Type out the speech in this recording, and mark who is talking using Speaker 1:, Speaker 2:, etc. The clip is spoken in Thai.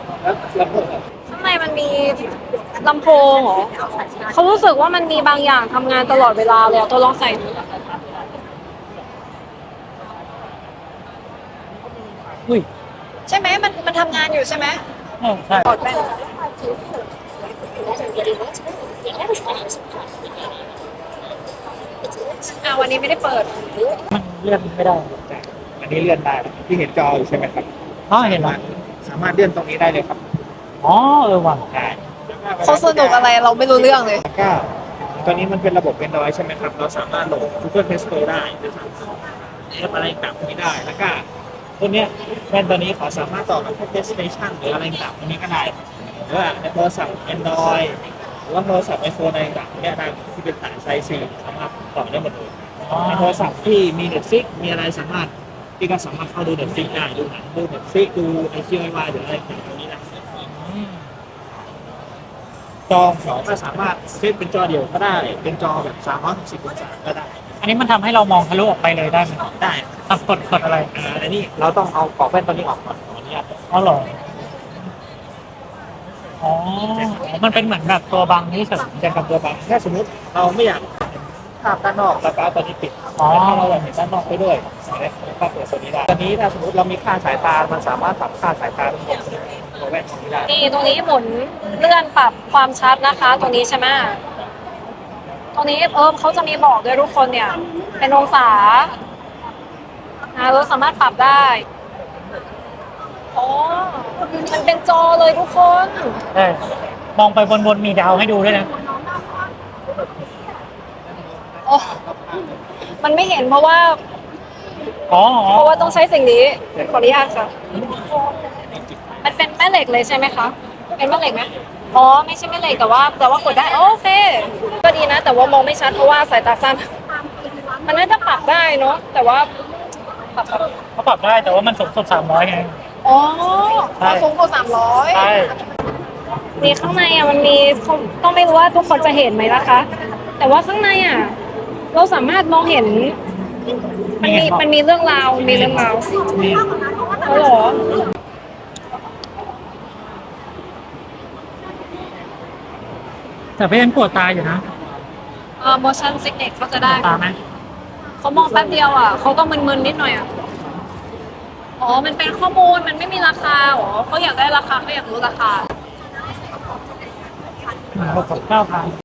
Speaker 1: ข้างในมันมีลำโพงเหรอเขารู้สึกว่ามันมีบางอย่างทำงานตลอดเวลาเลยอะตัวลองใส่ดู
Speaker 2: อุ้ย
Speaker 1: ใช่ไหมมันทำงานอยู่ใช่ไหม
Speaker 2: ใช่
Speaker 1: กดไปวันนี้ไม่ได้เปิด
Speaker 2: มันเลื่อนไม่ได้
Speaker 3: อันนี้เลื่อนได้ที่เห็นจออยู่ใช่ไหมครับ
Speaker 2: อ๋อเห็นแล้ว
Speaker 3: สามารถเลื่อนตรงนี้ได้เลยครับ
Speaker 2: อ๋อว่ะ
Speaker 3: ใช่
Speaker 1: เขาสนุกอะไรเราไม่รู้เรื่องเลย
Speaker 3: แล้วก็ตอนนี้มันเป็นระบบ Android ใช่ไหมครับเราสามารถโหลด Google Play Store ได้นะครับแอปอะไรต่างๆพวกนี้ได้แล้วก็ตัวเนี้ยแว่นตัวนี้เขาสามารถต่อกับพวก PlayStation หรืออะไรต่างๆพวกนี้ก็ได้หรือว่าในโทรศัพท์ Android หรือว่าโทรศัพท์ iPhone อะไรต่างๆเนี่ยนะที่เป็นสายไซซีสามารถต่อได้หมดเลยในโทรศัพท์ที่มี Netflix มีอะไรสามารถที่ก็สามารถเข้าดู Netflix ได้ดูหนังดู Netflix ดู IQIY หรืออะไรต่างๆพวกนี้ได้จอสองก็สามารถเซตเป็นจอเดียวก็ได้เป็นจอแบบ360องศาก็ได้
Speaker 2: อันนี้มันทำให้เรามองทะลุออกไปเลยได้ไหม
Speaker 3: ได้
Speaker 2: กดอะไร
Speaker 3: อันนี้เราต้องเอากรอบแว่นตัวนี้ออกก่อนขออนุญาต
Speaker 2: อ๋อเหรออ๋อมันเป็นเหมือนแบบตัวบังนี่เฉย
Speaker 3: แจ้งกับตัวบังถ้าสมมติเราไม่อยากภาพด้านนอกแล้วก็เอาตัวนี้ปิดถ้าเราอยากเห็นด้านนอกไปด้วยก็เปิดตัวนี้ได้ตัวนี้ถ้าสมมติเรามีค่าสายตามันสามารถปรับค่าสายตาทั้งหมดตัวแว่นตรงนี้ได้
Speaker 1: นี่ตรงนี้หมุนเลื่อนปรับความชัดนะคะตรงนี้ใช่ไหมตรงนี้เขาจะมีบอกด้วยทุกคนเนี่ยเป็นองศาเราสามารถปรับได้อ๋อมันเป็นจอเลยทุกคน
Speaker 2: ใช่มองไปบนมีดาวให้ดูด้วยนะ
Speaker 1: โอ้มันไม่เห็นเพราะว่า
Speaker 2: อ๋อ
Speaker 1: ต้องใช้สิ่งนี้ขออนุญาตค่ะมันเป็นแม่เหล็กเลยใช่ไหมคะเป็นแม่เหล็กไหมอ๋อไม่ใช่แม่เหล็กแต่ว่ากดได้โอเคก็ดีนะแต่ว่ามองไม่ชัดเพราะว่าสายตาสั้นมันน่าจะปรับได้เนาะแต่ว่า
Speaker 2: เขาปรับได้แต่ว่ามันสูงสุด300ไง
Speaker 1: อ๋อสูงกว่า300
Speaker 2: ใช่
Speaker 1: นี่ข้างในมันมีต้องไม่รู้ว่าทุกคนจะเห็นไหมนะคะแต่ว่าข้างในเราสามารถมองเห็นมันมีเรื่องราวเขาเหรอ
Speaker 2: แต่ก็ยังปวดตาอยู่นะ
Speaker 1: motion sickness เขาจะได้
Speaker 2: ตาไหม
Speaker 1: เขามองแป๊บเดียวเขาก็มึนๆนิดหน่อยอ๋อมันเป็นข้อมูลมันไม่มีราคาเขาอยากได้ราคาเขาอยากรู้ราคา
Speaker 2: 69,000